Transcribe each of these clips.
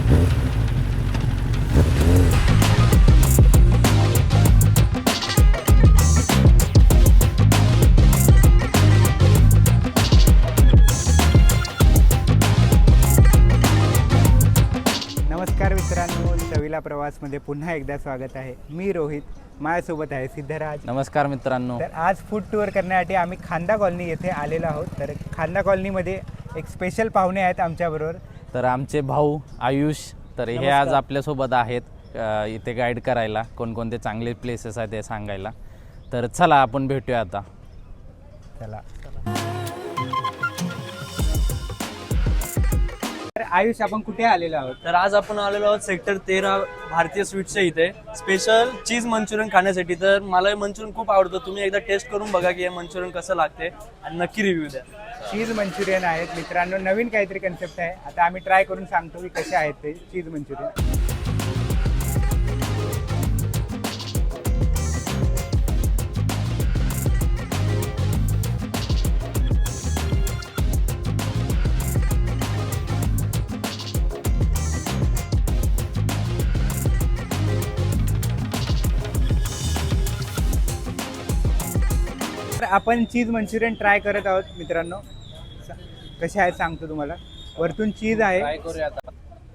नमस्कार मित्रांनो, चवीला प्रवासमध्ये पुन्हा एकदा स्वागत आहे. मी रोहित, माझ्यासोबत आहे सिद्धराज. नमस्कार मित्रांनो. तर आज फूड टूर करण्यासाठी आम्ही खांदा कॉलनी येथे आलेलो आहोत. तर खांदा कॉलनीमध्ये एक स्पेशल पाहुणे आहेत आमच्याबरोबर. तर आमचे भाऊ आयुष, तर हे आज आपल्यासोबत आहेत इथे गाईड करायला, कोणकोणते चांगले प्लेसेस आहेत ते सांगायला. तर चला आपण भेटूया आता. चला. तर आयुष, आपण कुठे आलेलो आहोत? तर आज आपण आलेलो आहोत सेक्टर 13 भारतीय स्वीट्सच्या इथे स्पेशल चीज मंचुरियन खाण्यासाठी. तर मला हे मंचुरियन खूप आवडतं. तुम्ही एकदा टेस्ट करून बघा की हे मंचुरियन कसं लागते आणि नक्की रिव्ह्यू द्या. चीज मंचुरियन आहेत मित्रांनो, नवीन काहीतरी कन्सेप्ट आहे. आता आम्ही ट्राय करून सांगतो की कसे आहेत ते चीज मंचुरियन. आपण चीज मंचुरियन ट्राय करत आहोत मित्रांनो. कसे आहेत सांगतो तुम्हाला. वरतून चीज आहे. ट्राय करूया आता.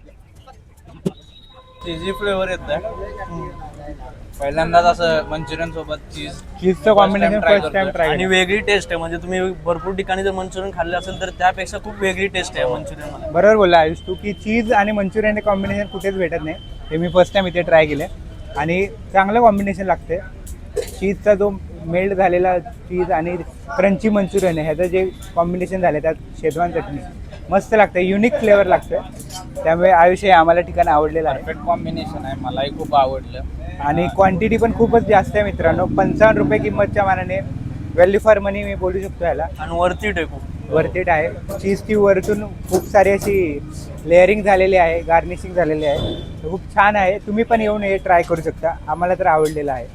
चीजी फ्लेवर येत पहिल्यांदाच असं मंचुरियन सोबत चीजचं कॉम्बिनेशन फर्स्ट टाइम ट्राय. आणि वेगळी टेस्ट आहे. म्हणजे तुम्ही भरपूर ठिकाणी जर मंचुरियन खाल्लं असेल तर त्यापेक्षा खूप वेगळी टेस्ट आहे मंचुरियन मध्ये. बरोबर बोलला आयुष तू की चीज आणि मंचुरियन हे कॉम्बिनेशन कुठेच भेटत नाही. हे मी फर्स्ट टाइम इथे ट्राय केलं आणि चांगलं कॉम्बिनेशन लागते. चीजचा जो मेल्ट झालेला चीज आणि क्रंची मंचुरियन आहे, ह्याचं जे कॉम्बिनेशन झालं त्यात शेजवान चटणी मस्त लागतं, युनिक फ्लेवर लागतं. त्यामुळे आयुष हे आम्हाला ठिकाण आवडलेलं आहे. परफेक्ट कॉम्बिनेशन आहे, मलाही खूप आवडलं. आणि क्वांटिटी पण खूपच जास्त आहे मित्रांनो. 55 रुपये किंमतच्या मानाने व्हॅल्यू फॉर मनी मी बोलू शकतो ह्याला. आणि वरती आहे खूप. वर्थ आहे. चीजची वरतून खूप सारी अशी लेअरिंग झालेली आहे, गार्निशिंग झालेली आहे. खूप छान आहे. तुम्ही पण येऊन हे ट्राय करू शकता. आम्हाला तर आवडलेलं आहे.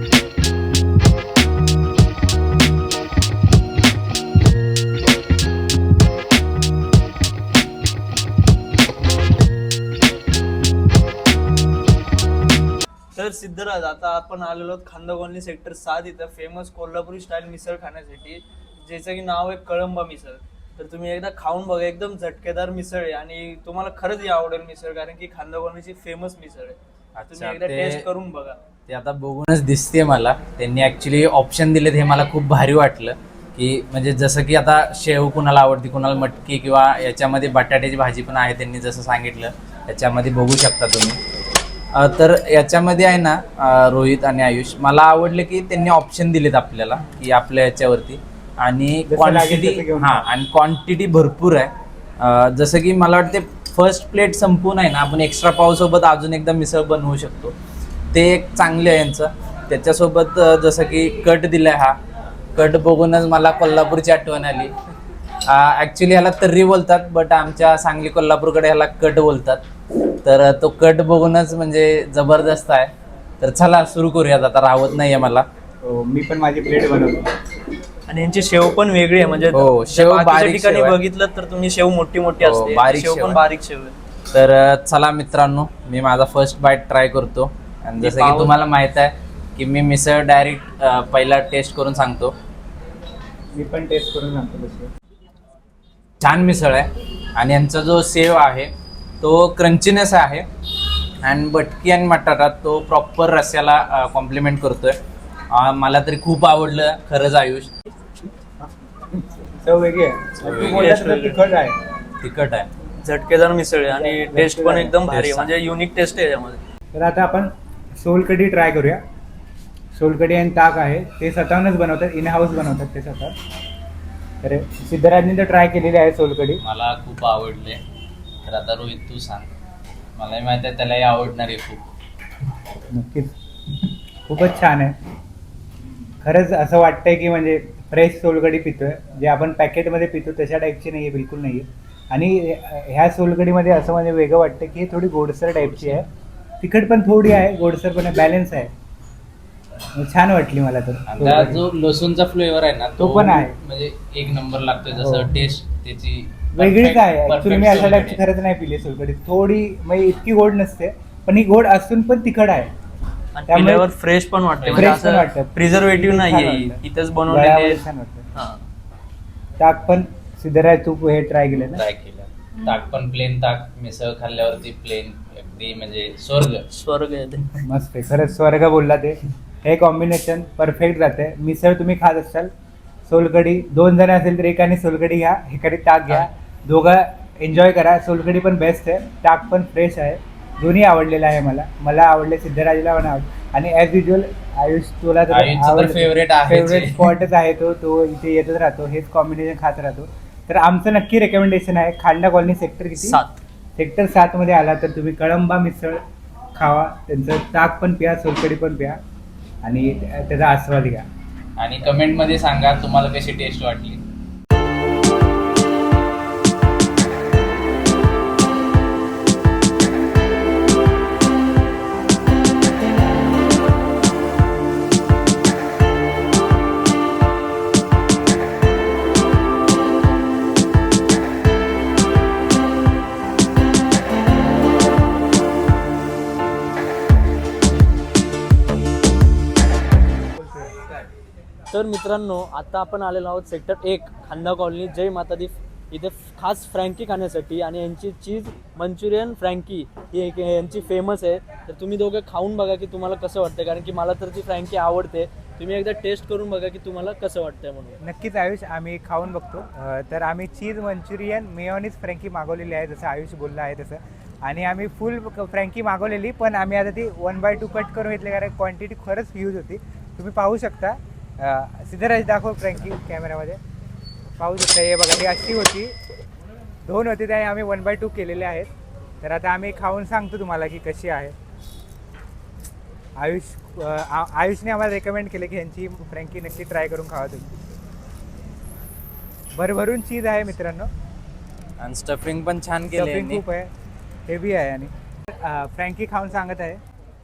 तर सिद्धराज, आता आपण आलेलो आहोत खांदा कॉलनी सेक्टर 7 इथं फेमस कोल्हापुरी स्टाईल मिसळ खाण्यासाठी, ज्याचं की नाव आहे कळंबा मिसळ. तर तुम्ही एकदा खाऊन बघा, एकदम झटकेदार मिसळ आहे आणि तुम्हाला खरंच ही आवडेल मिसळ, कारण की खांदा कॉलनीची फेमस मिसळ आहे. तुम्ही एकदा टेस्ट करून बघा. ते आता बघूनच दिसते मला. त्यांनी ऍक्च्युली ऑप्शन दिलेत, हे मला खूप भारी वाटलं. की म्हणजे जसं की आता शेव कुणाला आवडते, कुणाला मटकी, किंवा याच्यामध्ये बटाट्याची भाजी पण आहे त्यांनी जसं सांगितलं. याच्यामध्ये बघू शकता तुम्ही. तर याच्यामध्ये आहे ना रोहित आणि आयुष, मला आवडलं की त्यांनी ऑप्शन दिलेत आपल्याला की आपल्या याच्यावरती, आणि क्वांटिटी आणि क्वांटिटी भरपूर आहे. जसं की मला वाटते फर्स्ट प्लेट संपून आहे ना, आपण एक्स्ट्रा पावसोबत अजून एकदा मिसळ बनवू शकतो. ते एक चांगले आहे यांचं. त्याच्यासोबत जसं की कट दिलाय, हा कट बघूनच मला कोल्हापूरची आठवण आली. ॲक्च्युली ह्याला तर्री बोलतात, बट आमच्या सांगली कोल्हापूरकडे ह्याला कट बोलतात. तर तो कट बघूनच म्हणजे जबरदस्त आहे. तर चला सुरू करूयात, आता राहत नाहीये मला. मी पण माझी प्लेट बनवतो. आणि यांची शेव पण वेगळी आहे. म्हणजे शेव बारीक ठिकाणी बघितलं तर तुम्ही शेव मोठी मोठी असते, बारीक शेव पण बारीक शेव आहे. तर चला मित्रांनो, मी माझा फर्स्ट बाईट ट्राय करतो. आणि जसं की तुम्हाला माहित आहे की मी मिसळ डायरेक्ट पहिला टेस्ट करून सांगतो. मी पण टेस्ट करून सांगतो. छान मिसळ आहे. आणि यांचा जो सेव आहे तो क्रंचीनेस आहे, आणि बटकी आणि बटाटा तो प्रॉपर रस्स्याला कॉम्प्लिमेंट करतोय. मला तरी खूप आवडलं खरंच आयुष. चव वेगळी आहे, तिखट आहे. तिखट आहे, झटकेदार मिसळ आहे आणि टेस्ट पण एकदम भारी आहे. म्हणजे युनिक टेस्ट आहे यामध्ये. तर आता आपण सोलकढी ट्राय करूया. सोलकढी आणि ताक आहे, ते स्वतःहूनच बनवतात, इन हाऊस बनवतात ते स्वतः. तर सिद्धराजनी तर ट्राय केलेली आहे सोलकढी. मला खूप आवडले. तर आता रोहित तू सांग. मलाही माहिती आहे त्यालाही आवडणार आहे खूप. नक्कीच खूपच छान आहे. खरंच असं वाटतंय की म्हणजे फ्रेश सोलकढी पितोय. जे आपण पॅकेटमध्ये पितो तशा टाईपची नाही आहे, बिलकुल नाही आहे. आणि ह्या सोलकढीमध्ये असं म्हणजे वेगळं वाटतं की थोडी गोडसर टाईपची आहे. तिखट पण थोडी आहे, गोडसर पण आहे, बॅलन्स आहे. छान वाटली मला तर. आता जो लसूणचा फ्लेवर आहे ना तो पण आहे, म्हणजे एक नंबर लागतोय. जसं टेस्ट त्याची वेगळीच आहे ऍक्च्युली. मी अशा टाईपची perfect खरंच नाही पिली सोलकढी. थोडी म्हणजे इतकी गोड नसते, पण ही गोड असून पण तिखट आहे. आणि त्यामुळे पिल्यावर फ्रेश पण वाटते, म्हणजे fresh पण असं वाटतं. प्रिझर्वेटिव्ह छान नाहीये, वाटतं. इथंच बनवलेले गळ्यावर छान वाटतं. हा. ताक पण सिद्धराज तू हे ट्राय केलं ना? ट्राय केलं. ताक पण प्लेन ताक, मिसळ खाल्ल्यावरती प्लेन, अगदी म्हणजे स्वर्ग. स्वर्ग आहे ते. मस्त आहे खरंच, स्वर्ग बोलला ते. हे कॉम्बिनेशन परफेक्ट जाते. मिसळ तुम्ही खात असाल, सोलकढी 2 जण असेल तर एकाने सोलकढी घ्या, एकाने ताक घ्या, दोघं एन्जॉय करा. सोलकढी पण बेस्ट आहे, ताक पण फ्रेश आहे. दोन्ही आवडलेलं आहे मला आवडले, सिद्धराजला पण आवडले. आणि ॲज युजल आयुष, तुला आयुषचं तर favorite आहेच आहे. फेवरेट स्पॉटच आहे तो इथे येतच राहतो, हेच कॉम्बिनेशन खात राहतो. तर आमचं नक्की रेकमेंडेशन आहे, खांडा कॉलनी सेक्टर किती 7. सेक्टर 7 मध्ये आला तर तुम्ही कळंबा मिसळ खावा. त्यांचं ताक पण प्या, सोलकढी पण प्या आणि त्याचा आस्वाद घ्या. आणि कमेंट मध्ये सांगा तुम्हाला कशी टेस्ट वाटली. तर मित्रांनो, आता आपण आलेलो आहोत सेक्टर 1 खांदा कॉलनी जय माता दी. इथे खास फ्रँकी खाण्यासाठी, आणि यांची चीज मंचुरियन फ्रँकी ही यांची फेमस आहे. तर तुम्ही दोघं खाऊन बघा की तुम्हाला कसं वाटतं, कारण की मला तर ती फ्रँकी आवडते. तुम्ही एकदा टेस्ट करून बघा की तुम्हाला कसं वाटतंय म्हणून. नक्कीच आयुष, आम्ही खाऊन बघतो. तर आम्ही चीज मंचुरियन मेयोनीज फ्रँकी मागवलेली आहे, जसं आयुष बोलला आहे तसं. आणि आम्ही फुल फ्रँकी मागवलेली, पण आम्ही आता ती 1/2 कट करून घेतली, कारण क्वांटिटी खरंच ह्यूज होती. तुम्ही पाहू शकता. सिद्धराज दाखव फ्रँकी कॅमेरामध्ये. पाहू शकता, हे बघा, ही अशी होती, 2 होती, त्याने आम्ही 1/2 केलेले आहेत. तर आता आम्ही खाऊन सांगतो तुम्हाला की कशी आहे. आयुषने आम्हाला रेकमेंड केले की यांची फ्रँकी नक्की ट्राय करून खावा तुम्ही. भरभरून चीज आहे मित्रांनो, आणि स्टफिंग पण छान स्टफिंग केली. खूप आहे, हेवी आहे. आणि फ्रँकी खाऊन सांगत आहे.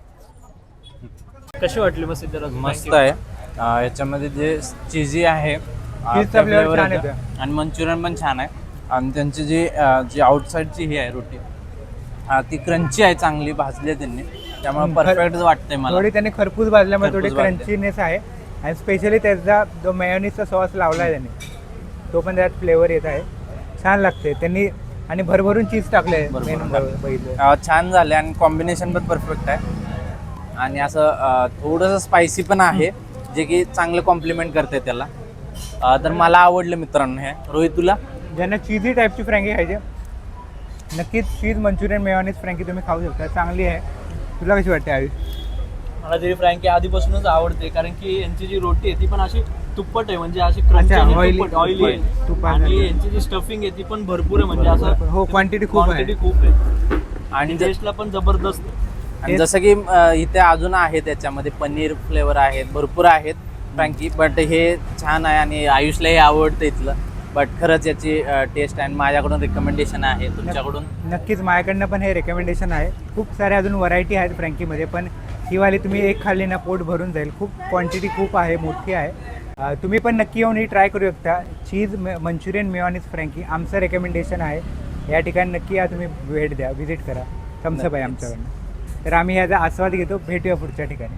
कशी वाटली मग सिद्धराज? मस्त आहे. याच्यामध्ये जे चीजी आहे चीजचा फ्लेवर छान येतो. आणि मंचुरियन पण छान आहे. आणि त्यांची जी आउटसाईडची ही आहे रोटी, ती क्रंची आहे, चांगली भाजली आहे त्यांनी, त्यामुळे परफेक्ट वाटतंय मला. थोडी त्यांनी खरपूस भाजल्यामुळे थोडी खरपूस भाजली. क्रंचीनेस आहे. आणि स्पेशली त्याचा जो मेयोनीजचा सॉस लावला आहे त्यांनी, तो पण त्यात फ्लेवर येत आहे, छान लागते त्यांनी. आणि भरभरून चीज टाकले, भरभरून बघितलं. छान झाले आणि कॉम्बिनेशन पण परफेक्ट आहे. आणि असं थोडंसं स्पायसी पण आहे, जे की चांगलं कॉम्प्लिमेंट करते त्याला. तर मला आवडलं मित्रांनो हे. रोहित, तुला? ज्यांना चीजी टाईपची फ्रँकी खायची, नक्कीच चीज मंचुरियन मेयोनीज फ्रँकी तुम्ही खाऊ शकता, चांगली आहे. तुला कशी वाटते आयुष? मला तरी फ्रँकी आधीपासूनच आवडते, कारण की यांची जी रोटी आहे ती पण अशी तुप्पट आहे, म्हणजे अशी क्रंची अच्छा, आणि oily- तुप्पट, ऑइली आहे. तुपासारखी. आणि यांची जी स्टफिंग आहे ती पण भरपूर आहे, म्हणजे असं हो, quantity खूप आहे. quantity खूप आहे. आणि आणि टेस्टला पण जबरदस्त आहे. आणि जसं की इथे अजून आहे, त्याच्यामध्ये पनीर फ्लेवर आहेत, भरपूर आहेत फ्रँकी. बट हे छान आहे आणि आयुषलाही आवडतं इथलं. बट खरंच याची टेस्ट आणि माझ्याकडून रिकमेंडेशन आहे. तुमच्याकडून? नक्कीच माझ्याकडनं पण हे रेकमेंडेशन आहे. खूप सारे अजून व्हरायटी आहेत फ्रँकीमध्ये, पण ही वाली तुम्ही एक खाल्ली ना पोट भरून जाईल. खूप क्वांटिटी खूप आहे, मोठी आहे. तुम्ही पण नक्की येऊन ही ट्राय करू शकता. चीज मंचुरियन मेयोनीज फ्रँकी आमचं रेकमेंडेशन आहे. या ठिकाणी नक्की या, तुम्ही भेट द्या, व्हिजिट करा. थम्सअप आहे आमच्याकडनं. तर आम्ही ह्याचा आस्वाद घेतो. भेटूया पुढच्या ठिकाणी.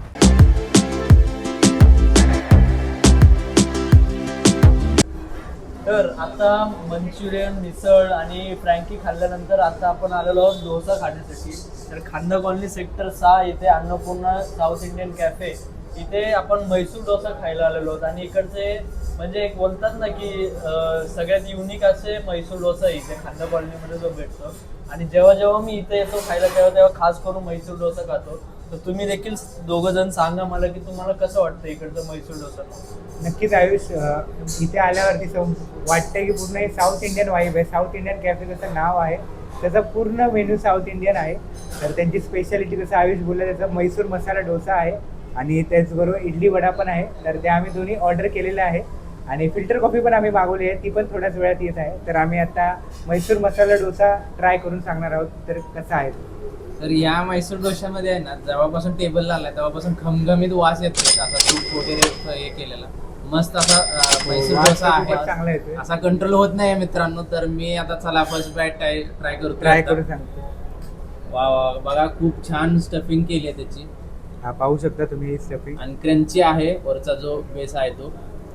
तर आता मंचुरियन, मिसळ आणि फ्रँकी खाल्ल्यानंतर आता आपण आलेलो आहोत डोसा खाण्यासाठी. तर खांदा कॉलनी सेक्टर 6 इथे अन्नपूर्णा साऊथ इंडियन कॅफे, इथे आपण म्हैसूर डोसा खायला आलेलो आहोत. आणि इकडचे म्हणजे एक बोलतात ना की सगळ्यात युनिक असे म्हैसूर डोसा इथे खांदा कॉलनीमध्ये जो भेटतो. आणि जेव्हा जेव्हा मी इथे येतो खायला, तेव्हा खास करून म्हैसूर डोसा खातो. तर तुम्ही देखील दोघं जण सांगा मला की तुम्हाला कसं वाटतं इकडचं म्हैसूर डोसा. नक्कीच आयुष, इथे आल्यावरती वाटतंय की पूर्ण हे साऊथ इंडियन वाईब आहे. साऊथ इंडियन कॅफे जसं नाव आहे, त्याचा पूर्ण मेन्यू साऊथ इंडियन आहे. तर त्यांची स्पेशालिटी जसं आयुष बोलला, त्याचा म्हैसूर मसाला डोसा आहे आणि त्याचबरोबर इडली वडा पण आहे. तर ते आम्ही दोन्ही ऑर्डर केलेले आहे. आणि फिल्टर कॉफी पण आम्ही मागवली आहे, ती पण थोड्याच वेळात येत आहे. तर आम्ही आता म्हैसूर मसाला डोसा ट्राय करून सांगणार आहोत. तर कसा आहे? तर या म्हैसूर डोशामध्ये आहे ना, जेव्हापासून टेबलला आलाय तेव्हापासून खमखमीत वास येतो, असा तूप वगैरे हे केलेला. मस्त असा मैसूर वास डोसा तर खूपच आहे. चांगला येतोय. असा कंट्रोल होत नाही मित्रांनो. तर मी आता चला फर्स्ट बाईट ट्राय करतो. ट्राय करून सांगतो. वा वा, बघा खूप छान स्टफिंग केली आहे त्याची हा पाहू शकता तुम्ही ही स्टफिंग. आणि क्रंची आहे. वरचा जो बेस आहे तो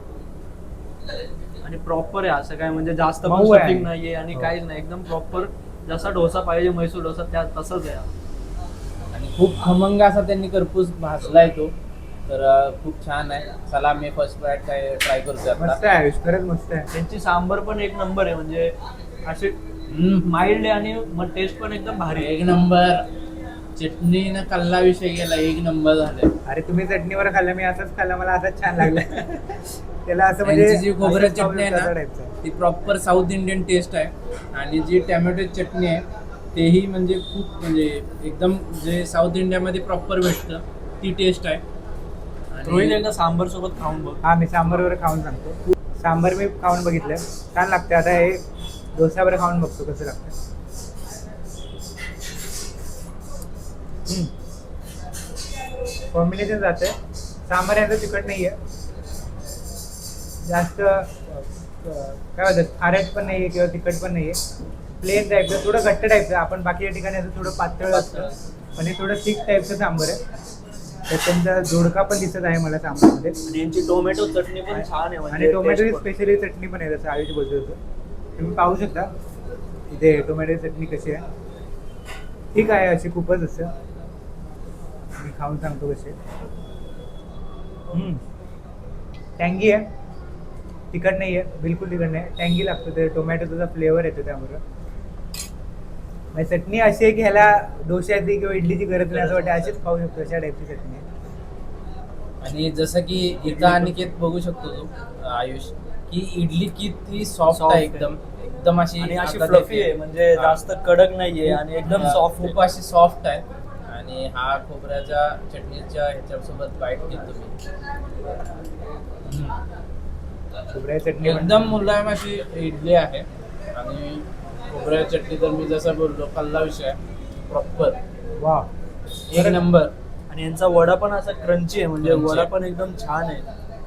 आणि प्रॉपर आहे, असं काय म्हणजे जास्त पण मऊ आहे. स्टफिंग नाहीये आणि हो. काहीच नाही, एकदम प्रॉपर जसा डोसा पाहिजे मैसूर डोसा त्या तसंच आहे. आणि खूप खमंग असा त्यांनी करपूस भाजलाय तो. तर खूप छान आहे. चला मी फर्स्ट बाईट ट्राय करतो मस्त आता. आहे आयुष, खरंच मस्त आहे. त्यांची सांबर पण एक नंबर आहे, म्हणजे असे हम्म, माइल्ड आहे आणि मग टेस्ट पण एकदम भारी आहे. एक नंबर. चटणीनं कल्ला विषय गेला, एक नंबर झाले. अरे तुम्ही चटणीवर खाल्लं, मी असंच खाल्लं, मला असंच छान लागलं. त्याला असं त्यांची म्हणजे जी खोबऱ्याची असंच चटणी आहे तसा ना टाईपचं आहे. ती प्रॉपर साऊथ इंडियन टेस्ट आहे. आणि जी टॅमॅटो चटणी आहे तेही म्हणजे खूप म्हणजे एकदम जे साऊथ इंडियामध्ये प्रॉपर भेटतं ती टेस्ट आहे. रोहित आणि एकदा सांबर सोबत खाऊन बघ. हा मी सांबारवर खाऊन सांगतो. सांबार मी खाऊन बघितलं, छान लागते. आता हे डोसावर खाऊन बघतो कसं लागतं. कॉम्बिनेशन जाते. सांबार याचं तिखट नाही आहे जास्त, काय म्हणतात खारट पण नाही आहे किंवा तिखट पण नाही आहे. प्लेन टाईपचं, थोडं घट्ट टाईपचं. आपण बाकीच्या ठिकाणी असं थोडं पातळ असतं, पण हे थोडं थिक टाईपचं सांबार आहे. तर त्यांचा जोडका पण दिसत आहे मला सांबारमध्ये. आणि यांची टोमॅटो चटणी पण छान आहे, म्हणजे आणि टोमॅटोची taste पण. स्पेशली चटणी पण आहे, जसं आयुष बोलत होतं. तुम्ही पाहू शकता इथे टोमॅटोची चटणी कशी आहे. ठीक आहे, अशी खूपच असं. मी खाऊन सांगतो कसे. टँगी आहे, तिखट नाही आहे, बिलकुल तिखट नाही. टँगी लागतो, ते टोमॅटोचा फ्लेवर येतो त्यामुळं. म्हणजे चटणी अशी आहे की ह्याला डोश्याची किंवा इडलीची गरज नाही असं वाटतं, अशीच खाऊ शकतो अशा टाईपची चटणी आहे. आणि जसं की इथं अनिकेत बघू शकतो तो आयुष की इडली किती सॉफ्ट Soft आहे, आहे. एकदम अशी आणि अशी हातात फ्लफी येते. आहे, म्हणजे हा. जास्त कडक नाहीये आणि एकदम हा, सॉफ्ट खूप अशी सॉफ्ट आहे. आणि हा खोबऱ्याच्या चटणीच्या ह्याच्यासोबत बाईट घेतो मी. खोबऱ्याची चटणी पण- एकदम मुलायम अशी इडली आहे. आणि खोबऱ्या चटणी तर मी जसं बोललो कल्ला विषय प्रॉपर वा, एक नंबर. आणि यांचा वडा पण असा क्रंची आहे, म्हणजे Crunchy वडा आहे. पण एकदम छान आहे.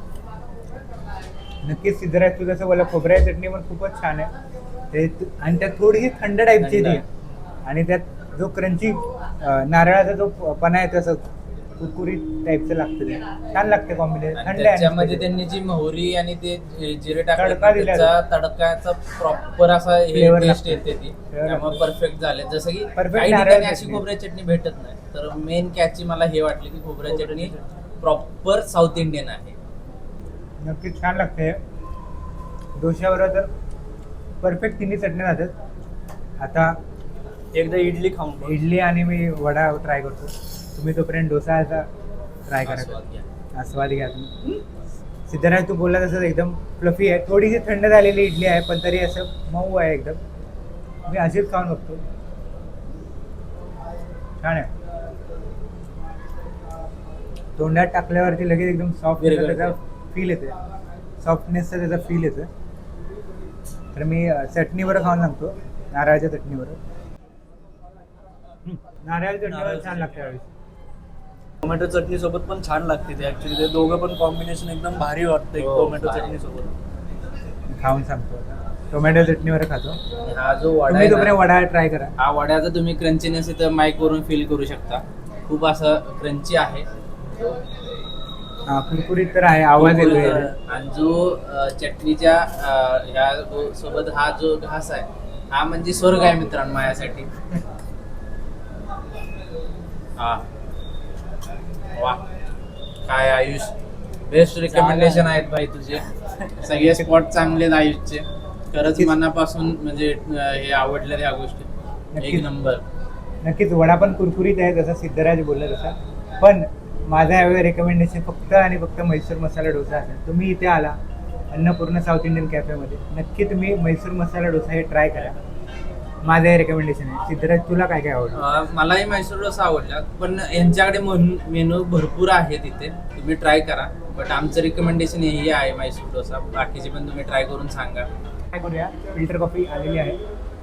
नक्कीच सिद्धराज तू जसं बोला, खोबऱ्याची चटणी पण खूपच छान आहे. आणि त्यात थोडीशी थंड टाईपची थंड ती. आहे. आणि त्यात जो क्रंची नारळाचा जो पणा आहे तसं कुरकुरीत टाईपचं लागतं ते. छान लागते कॉम्बिनेशन. आणि थंड आहे त्याच्यामध्ये आणि त्यांनी जी मोहरी आणि ते जिरे तडका टाकले दिला. त्याचा तडकाचा प्रॉपर असा हे Flavor टेस्ट लागतो. येते ती. Flavor त्यामुळे लागतो. परफेक्ट झाले. जसं की Perfect काही नारळ ठिकाणी अशी चटणी. खोबऱ्या चटणी भेटत नाही. तर मेन कॅची मला हे वाटले की खोबऱ्या चटणी प्रॉपर साऊथ इंडियन आहे. नक्कीच छान लागते. डोश्याबरोबर तर परफेक्ट तिन्ही चटण्या जातात. आता एकदा इडली खाऊन बघ. इडली आणि मी वडा ट्राय करतो. तुम्ही तोपर्यंत डोसाचा ट्राय करा. आस्वाद घ्या. आस्वाद घ्या तुम्ही. सिद्धराज तू बोलला तसं एकदम फ्लफी आहे. थोडीशी थंड झालेली इडली आहे, पण तरी असं मऊ आहे एकदम. मी अशीच खाऊन बघतो. छान आहे. तोंडात टाकल्यावरती लगेच एकदम सॉफ्ट विरघळते. त्याचा फील येते. सॉफ्टनेसचा त्याचा फील येतो. तर मी चटणीवर खाऊन सांगतो, नारळाच्या चटणीवर. नारळाच्या चटणीवर छान लागते यावेळी. टोमॅटो चटणी सोबत पण छान लागते ते. ऍक्च्युली ते दोघं पण कॉम्बिनेशन एकदम भारी वाटतं हो, टोमॅटो भारी. चटणी सोबत. खाऊन सांगतो आता. टोमॅटो चटणीवर खातो. आणि हा जो वडा तुम्ही आहे तोपर्यंत ना, वडा ट्राय करा. हा वड्याचा तुम्ही क्रंचीनेस इथं माईक वरून फील करू शकता. खूप असं क्रंची आहे. हा, कुरकुरीत तर आहे, आवाज येतोय. आणि जो चटणीच्या ह्या सोबत हा जो घास आहे हा म्हणजे स्वर्ग आहे मित्रांनो माझ्यासाठी. हा वा, काय आयुष, बेस्ट रिकमेंडेशन आहेत भाई तुझे. सगळे स्पॉट चांगले आहेत आयुषचे. खरंच नक्कीच. मनापासून म्हणजे हे आवडल्या त्या गोष्टी. नक्कीच. एक नंबर. नक्कीच वडा पण कुरकुरीत आहे, जसा सिद्धराज बोलला तसा. पण माझा यावेळी रेकमेंडेशन फक्त आणि फक्त म्हैसूर मसाला डोसा असेल. तुम्ही इथे आला अन्नपूर्ण साऊथ इंडियन कॅफेमध्ये, नक्की तुम्ही म्हैसूर मसाला डोसा हे ट्राय करा. माझं हे रेकमेंडेशन आहे. सिद्धराज तुला काय काय आवडलं? मलाही म्हैसूर डोसा आवडला, पण यांच्याकडे मेनू भरपूर आहे तिथे, तुम्ही ट्राय करा. बट आमचं रिकमेंडेशन हेही आहे म्हैसूर डोसा. बाकीचे पण तुम्ही ट्राय करून सांगा. काय करूया, फिल्टर कॉफी आलेली आहे,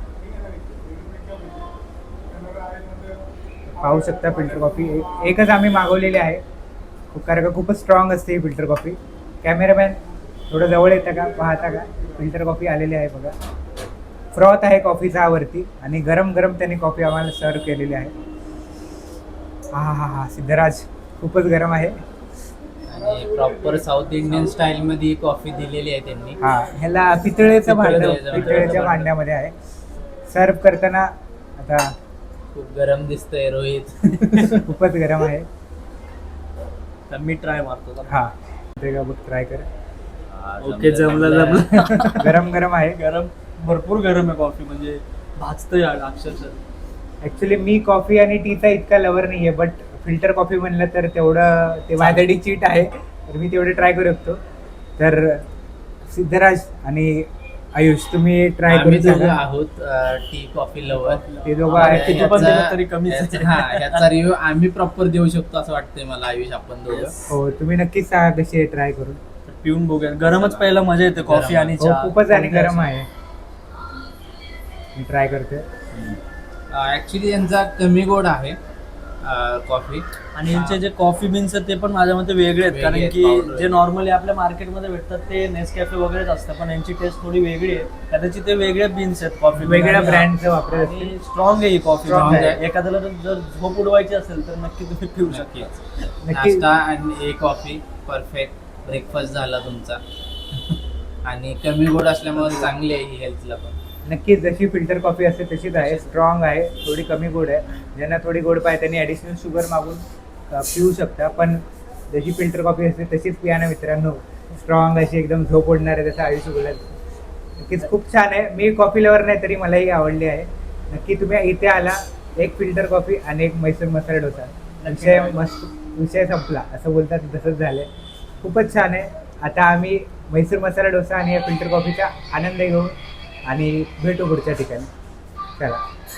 पाहू शकता. फिल्टर कॉफी एकच आम्ही मागवलेली आहे, कारण का खूपच स्ट्रॉंग असते ही फिल्टर कॉफी. कॅमेरामॅन थोडं जवळ येतं का, पाहता का, फिल्टर कॉफी आलेली आहे बघा. फ्रॉथ आहे कॉफीचा वरती आणि गरम गरम त्यांनी कॉफी आम्हाला सर्व केलेली आहे. हा सिद्धराज खूपच गरम आहे. आणि प्रॉपर साऊथ इंडियन स्टाईल मध्ये ही कॉफी दिलेली आहे त्यांनी. हा, ह्याला पितळेचं भांड, पितळेचं पितळेच्या भांड्यामध्ये आहे. सर्व करताना आता खूप गरम दिसतंय रोहित. खूपच गरम आहे. तर मी ट्राय मारतो. हा, ते का बघ, ट्राय कर. ओके, जमलं. गरम गरम आहे. गरम, भरपूर गरम आहे कॉफी, म्हणजे भाजतंय अक्षरशः. ऍक्च्युली मी कॉफी आणि टीचा इतका लवर नाहीये, बट फिल्टर कॉफी म्हणलं तर तेवढं ते माझ्यासाठी चीट आहे, तर मी तेवढे ट्राय करू शकतो. तर सिद्धराज आणि आयुष, तुम्ही ट्राय आम्ही करू दोघं शकता. आहोत टी कॉफी लवर. ते दोघं आहेत. किती पण दिलं तरी कमीच आहे. याचा रिव्ह्यू आम्ही प्रॉपर देऊ शकतो असं वाटतंय मला. आयुष, आपण दोघं हो, तुम्ही नक्कीच सांगा कशी आहे, ट्राय करून. पिऊन बघूया. गरमच पहिला मजा येते कॉफी आणि हो, चहा. खूपच आणि गरम आहे. मी ट्राय करते. ऍक्च्युली यांचा कमी गोड आहे कॉफी. आणि यांचे जे कॉफी बीन्स आहेत ते पण माझ्या मते वेगळे आहेत, कारण वेगळे की आहेत, powder जे नॉर्मली आपल्या मार्केटमध्ये भेटतात ते नेसकॅफे वगैरेच असतं, पण यांची टेस्ट थोडी वेगळी आहे. कदाचित ते वेगळे बीन्स आहेत कॉफी, वेगळ्या ब्रँडचं वापरत असतील. स्ट्रॉंग आहे ही कॉफी. Strong आहे. एखाद्याला जर झोप उडवायची असेल तर नक्की तुम्ही पिऊ शकता. नक्की. नाश्ता आणि एक कॉफी, परफेक्ट ब्रेकफास्ट झाला तुमचा. आणि कमी गोड असल्यामुळे चांगली आहे ही हेल्थला पण. नक्कीच जशी फिल्टर कॉफी असते तशीच आहे. स्ट्रॉंग आहे, थोडी कमी गोड आहे. ज्यांना थोडी गोड पाहिजे त्यांनी ॲडिशनल शुगर मागून पिऊ शकता, पण जशी फिल्टर कॉफी असते तशीच पिया ना मित्रांनो. स्ट्रॉंग अशी एकदम झोप ओढणार आहे, जसं आयुष्य बोलत. नक्कीच खूप छान आहे. मी कॉफी लवर नाही तरी मलाही आवडली आहे. नक्की तुम्ही इथे आला, एक फिल्टर कॉफी आणि एक म्हैसूर मसाला डोसा, विषय संपला असं बोलतात, तसंच झालंय. खूपच छान आहे. आता आम्ही म्हैसूर मसाला डोसा आणि या फिल्टर कॉफीचा आनंद घेऊ आणि भेटू पुढच्या ठिकाणी. चला.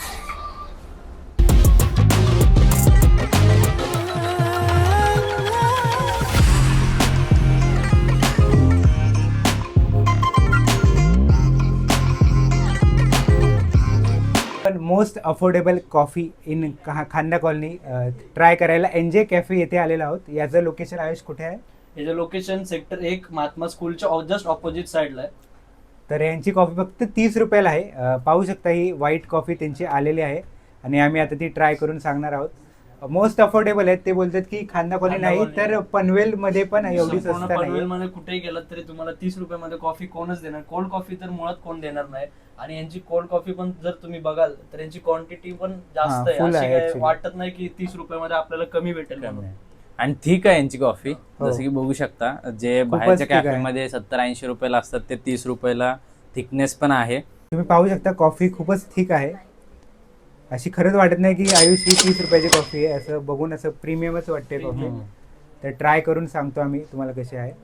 पण most affordable coffee in Khanda colony try करायला एनजे कॅफे येथे आलेलो आहोत. याचं लोकेशन आयुष कुठे आहे? याचं लोकेशन सेक्टर 1 महात्मा स्कूलच्या जस्ट ऑपोजिट साईडला आहे. तर यांची कॉफी फक्त 30 रुपयाला आहे. पाहू शकता ही व्हाईट कॉफी त्यांची आलेली आहे आणि आम्ही आता ती ट्राय करून सांगणार आहोत. मोस्ट अफोर्डेबल आहेत. ते बोलतात की खांदा कॉलनी नाही तर पनवेलमध्ये पण एवढी स्वस्त नाही. पनवेलमध्ये कुठेही गेलात तरी तुम्हाला 30 रुपयामध्ये कॉफी कोणच देणार. कोल्ड कॉफी तर मुळात कोण देणार नाही. आणि यांची कोल्ड कॉफी पण जर तुम्ही बघाल तर यांची क्वांटिटी पण जास्त आहे. full अशी आहे काय actually. वाटत नाही की 30 रुपयामध्ये आपल्याला कमी भेटेल म्हणून. आणि ठीक आहे यांची कॉफी. हो. जसं की बघू शकता, जे खूपच बाहेरच्या ठीक आहे. कॅफेमध्ये 70-80 रुपयाला असतात ते 30 रुपयाला. थिकनेस पण आहे. तुम्ही पाहू शकता कॉफी खूपच थिक आहे. अशी खरंच वाटत नाही की आयुष ही 30 रुपयाची कॉफी आहे. असं बघून असं प्रीमियमच वाटते कॉफी. तर ट्राय करून सांगतो आम्ही तुम्हाला कशी आहे.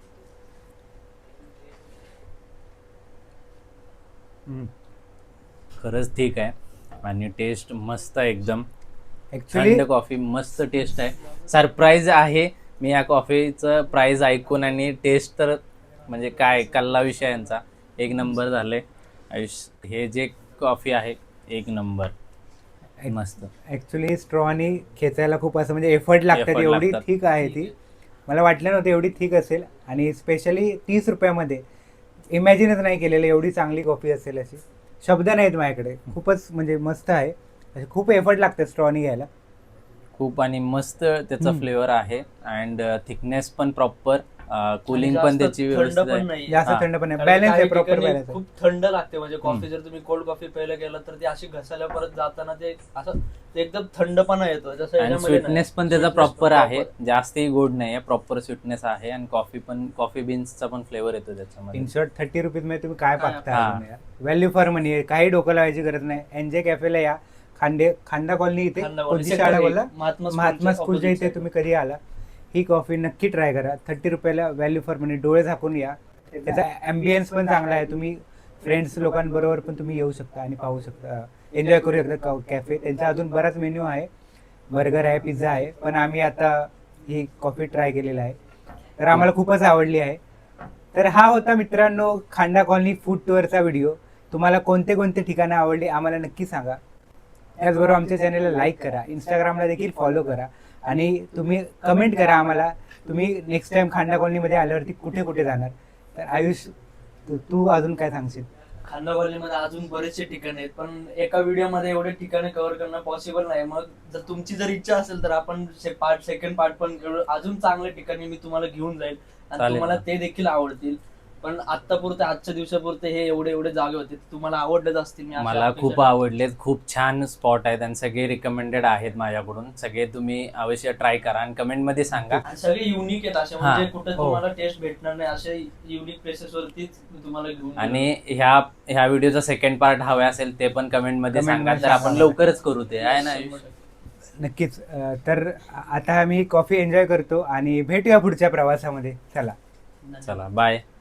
खरंच ठीक आहे आणि टेस्ट मस्त आहे एकदम. ऍक्च्युली थंड कॉफी, मस्त टेस्ट आहे. सरप्राईज आहे मी या कॉफीचं प्राइस ऐकून, आणि टेस्ट तर म्हणजे काय कल्ला विषय यांचा. एक नंबर झाले आयुष. हे जे कॉफी आहे एक नंबर, मस्त. ऍक्च्युली स्ट्रॉनी खेचायला खूप असं म्हणजे एफर्ट लागतात. Effort एवढी लागतात. थिक आहे ती. मला वाटलं नव्हतं एवढी थिक असेल आणि स्पेशली 30 रुपयामध्ये इमॅजिनच नाही केलेलं एवढी चांगली कॉफी असेल अशी. शब्द नाहीत माझ्याकडे. खूपच म्हणजे मस्त आहे. असे खूप एफर्ट लागतात स्ट्रॉनी घ्यायला. खूप आणि मस्त त्याचा फ्लेवर आहे. अँड थिकनेस पण प्रॉपर, कूलिंग आणि पण जास्त त्याची थंड व्यवस्थित पण आहे. नाही. जास्त हा. थंड पण आहे. कारण बॅलन्स आहे, काही प्रॉपर ठिकाणी बॅलन्स आहे. खूप थंड लागते म्हणजे कॉफी. जर तुम्ही कोल्ड कॉफी प्यायला गेला तर ती अशी घसायला परत जाताना ते असं ते एकदम थंडपणा येतो. जसं आणि याच्यामध्ये स्वीटनेस नाही. पण त्याचा Sweetness प्रॉपर पण आहे. proper. जास्तही गोड नाही आहे, प्रॉपर स्वीटनेस आहे. आणि कॉफी बीन्सचा पण फ्लेवर येतो त्याच्यामध्ये. इन शॉर्ट 30 रुपीजमध्ये तुम्ही काय काय पाहता? व्हॅल्यू फॉर मनी आहे. काही डोकं लावायची गरज नाही. एनजे कॅफेला या. खांदा कॉलनी इथे खांदा कॉलनी, कोणती sector शाळा 1, बोलला? महात्मा महात्मा स्कूलच्या स्कूलच्या इथे opposite तुम्ही कधी आला ही कॉफी नक्की ट्राय करा. 30 रुपयाला व्हॅल्यू फॉर मनी. डोळे झाकून या. त्याचा ॲम्बियन्स पण चांगला आहे. तुम्ही फ्रेंड्स लोकांबरोबर पण तुम्ही येऊ शकता आणि पाहू शकता, एन्जॉय करू शकता कॅफे. त्यांचा अजून बराच मेन्यू आहे. बर्गर आहे, पिझ्झा आहे, पण आम्ही आता ही कॉफी ट्राय केलेला आहे तर आम्हाला खूपच आवडली आहे. तर हा होता मित्रांनो खांदा कॉलनी फूड टूरचा व्हिडिओ. तुम्हाला कोणते कोणते ठिकाणं आवडली आम्हाला नक्की सांगा. त्याचबरोबर आमच्या चॅनलला लाईक करा, इंस्टाग्रामला देखील फॉलो करा आणि तुम्ही कमेंट करा आम्हाला तुम्ही नेक्स्ट टाइम खांदा कॉलनीमध्ये आल्यावरती कुठे कुठे जाणार तर आयुष तू अजून काय सांगशील? खांदावलीमध्ये अजून बरेचसे ठिकाण आहेत, पण एका व्हिडिओमध्ये एवढे ठिकाणे कव्हर करणं पॉसिबल नाही. मग जर तुमची जर इच्छा असेल तर आपण सेकंड पार्ट पण करू. अजून चांगल्या ठिकाणी मी तुम्हाला घेऊन जाईल आणि चालेल तुम्हाला ना. ते देखील आवडतील. पण आतापुरते आजच्या दिवसापुरते हे एवढे जागे होते, तुम्हाला आवडलेच असतील. मी अशा मला अपेक्षा खूप आवडलेत, खूप छान स्पॉट आहेत आणि सगळे रिकमेंडेड आहेत माझ्याकडून. सगळे तुम्ही अवश्य ट्राय करा आणि कमेंटमध्ये सांगा. आणि सगळे युनिक आहेत असे, हा. म्हणजे कुठे हो. तुम्हाला टेस्ट भेटणार नाही असे युनिक प्लेसेस वरतीच मी तुम्हाला घेऊन गेलो. आणि ह्या व्हिडिओचा सेकंड पार्ट हवा असेल ते पण कमेंटमध्ये Comment सांगा, मध्ये तर आपण सांगा. लवकरच करू ते, आहे ना? 100%. नक्कीच. तर आता आम्ही कॉफी एन्जॉय करतो आणि भेटूया पुढच्या प्रवासामध्ये. चला. चला बाय.